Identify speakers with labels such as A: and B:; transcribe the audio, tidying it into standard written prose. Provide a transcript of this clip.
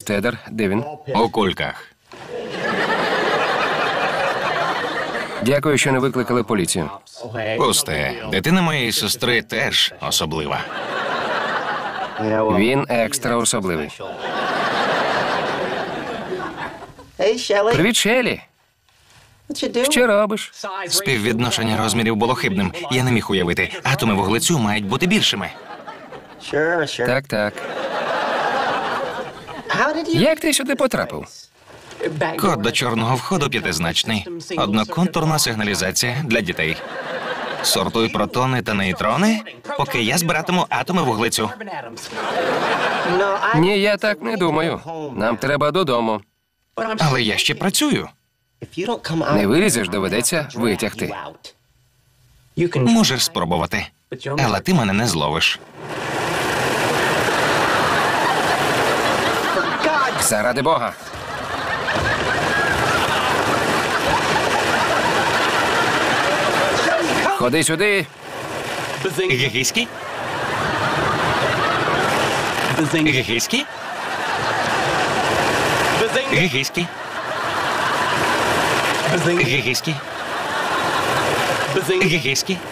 A: Тедер, де він?
B: У кульках.
A: Дякую, що не викликали поліцію.
B: Пусте. Дитина моєї сестри теж особлива.
A: Він екстра особливий. Привіт, Шелі. Що робиш?
B: Співвідношення розмірів було хибним. Я не міг уявити. Атоми вуглецю мають бути більшими.
A: Так, так. Як ти сюди потрапив?
B: Код до чорного входу п'ятизначний. Одноконтурна сигналізація для дітей. Сортуй протони та нейтрони, поки я збиратиму атоми вуглецю.
A: Ні, я так не думаю. Нам треба додому.
B: Але я ще працюю.
A: Не вилізеш, доведеться витягти.
B: Можеш спробувати. Але ти мене не зловиш.
A: Заради Бога. Ходи сюди.
B: Гігійський? Гігійський? Гігійський? Гігійський? Гігійський?